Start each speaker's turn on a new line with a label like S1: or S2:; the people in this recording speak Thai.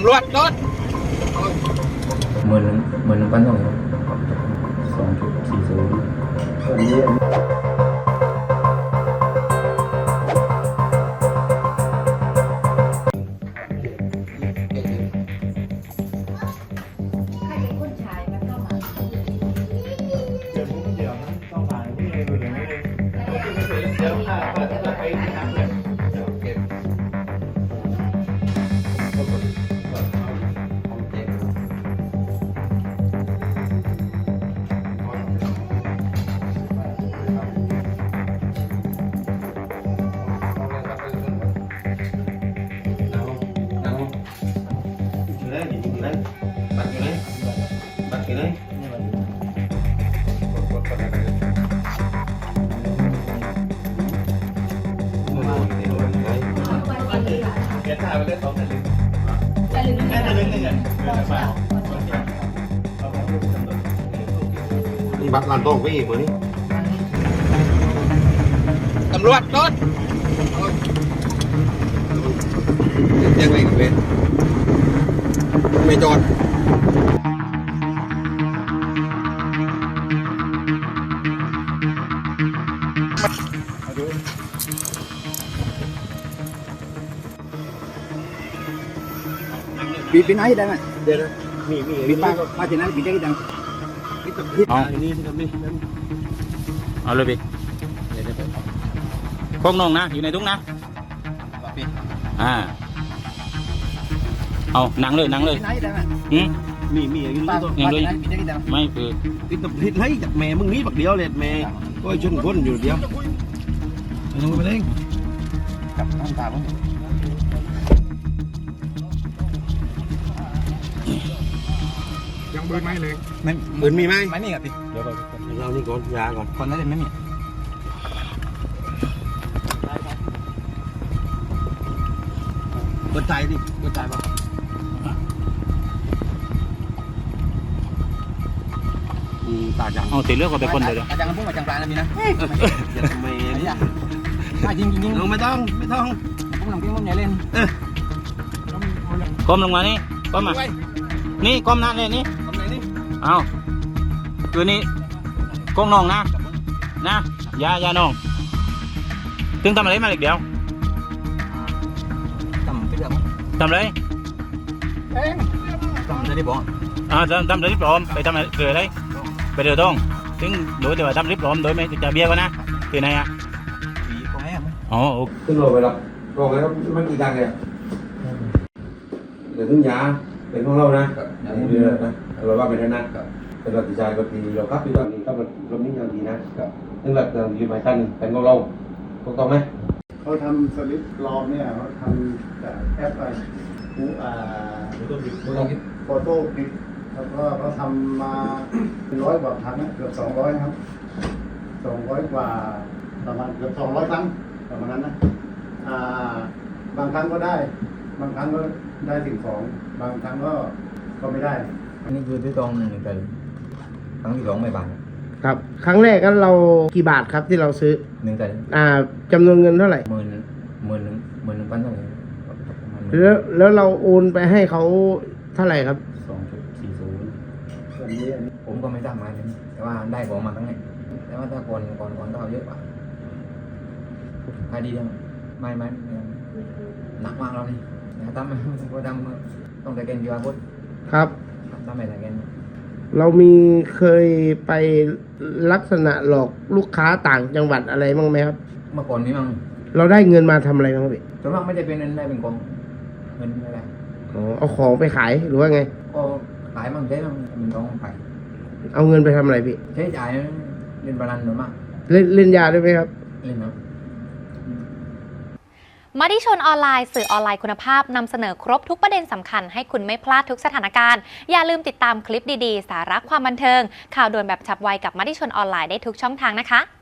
S1: ำรวจรถ
S2: 11,000 2.40
S1: นี่บัตรลานโต้งไปอีกคนนี้ตำรวจรถยังไงเว้ยไม่จอด
S2: ปีไหนได้ไหม
S1: เดี๋ยวมี
S2: ป้ามาที่นั้นปีได้กี่ตัง
S1: เอานี่สิครับนี่
S3: เอาเลยพี่พวกน้องนะอยู่ในทุ่งนะเอาหนังเลย
S2: ปีไหนได้ไหม
S1: มีอยู่นี่ตัว
S3: ยังเลยไม่คือ
S1: ติดตบติดให้จากแม่มึงนี้บักเดียวเลยแม่ก็ชนคนอยู่เดียวยังไม่ไปเลย
S2: กับน้ำตาผม
S1: ยังปืนไหมเลยไม่ปืนมีไหม
S2: ไม่มีครับพี่
S1: เดี๋ยวเรานี่ก่อนยาก่อน
S2: คนนั้นไม่มี
S1: เปิดใจดิเปิดใจป่ะตาจัง
S3: เอาตีเลือกก็ไปคนเดียว
S2: อาจารย์พูดมาจังปลาแล้วมีนะ
S1: อย่าทำไมเนี่ย
S2: จริง
S1: ไม่ต้อง
S2: ผมลองกินมันใหญ่เล่น
S3: ก้มลงมานี่ก้มมานี่ก้มหน้าเลยนี่เอาคือนี่ก้มน้องนะยาน้องถึงทำอะไรมาอีกเดียวทำอะไร
S2: ทำได้บอก
S3: ทำริบล้อมไปทำอะไรเกิดอะไรไปเดือดร้อนถึงโดยแต่ว่าทำริบล้อมโดยไม่จะเบี้ยกันนะคือไหนอ๋อ
S1: ขึ้นรถไปแล้วบอกเลยว่ามันกี่ตังค์เนี่ยเดี๋ยวถึงยาเป็นของเรานะเดือนนะเราว่าเป็นนั้นเป็นรถติดใจรถดีเราขับอยู่ตอนนี้ก็มันรถนี้ยังดีนะถึงหลักอยู่หมายกันเป็นของเราถูกต้องไหม
S4: เขาทำสลิปปลอมเนี่ยเขาทำจากแอปอะไรโฟโต้พิกแล้วก็เขาทำมา100 กว่าครั้งเกือบ200ครับ200 กว่าประมาณเกือบ200 ครั้งประมาณนั้นนะบางครั้งก็ได้บางครั้งก็ได้สิ่งของบางครั้งก็ไม่ได้
S2: อันนี้คือที่ตรง1 ครั้งที่ 2ไม่บาท
S5: ครับครั้งแรกนั้นเรากี่บาทครับที่เราซื้อ
S2: 1
S5: จำนวนเงินเท่าไหร่
S2: 11,000เท่าไหร่
S5: แล้วเราโอนไปให้เขาเท่าไหร่ครับ
S2: 2.40ผมก็ไม่ทราบมาแต่ว่าได้ของมาทั้งนี้แต่ว่าถ้าก่อนก็เอาเยอะกว่าใครดีจังไม่หนักมากแล้วนี่ทำต้องแต่เกณฑ์ดีกว่าพุทธ
S5: ครับ
S2: ทำไม่แต่เกณฑ์
S5: เรามีเคยไปลักษณะหลอกลูกค้าต่างจังหวัดอะไรบ้างไหมครับ
S2: เมื่อก่อนนี้มั้ง
S5: เราได้เงินมาทำอะไรบ้างพี่
S2: ส่วนมากไม่ได้เป็นเงินได้เป็นกองเงินอะไร
S5: เอาของไปขายหรือว่าไง
S2: ก็ขายมั่งใช้มั่งเป็นกองขาย
S5: เอาเงินไปทำอะไรพี่
S2: ใช้จ่ายเล่นบอลหรือมาก
S5: เล่นยาด้วยไหมครับ
S2: เล่นนะ
S6: มติชนออนไลน์สื่อออนไลน์คุณภาพนำเสนอครบทุกประเด็นสำคัญให้คุณไม่พลาดทุกสถานการณ์อย่าลืมติดตามคลิปดีๆสาระความบันเทิงข่าวด่วนแบบฉับไวกับมติชนออนไลน์ได้ทุกช่องทางนะคะ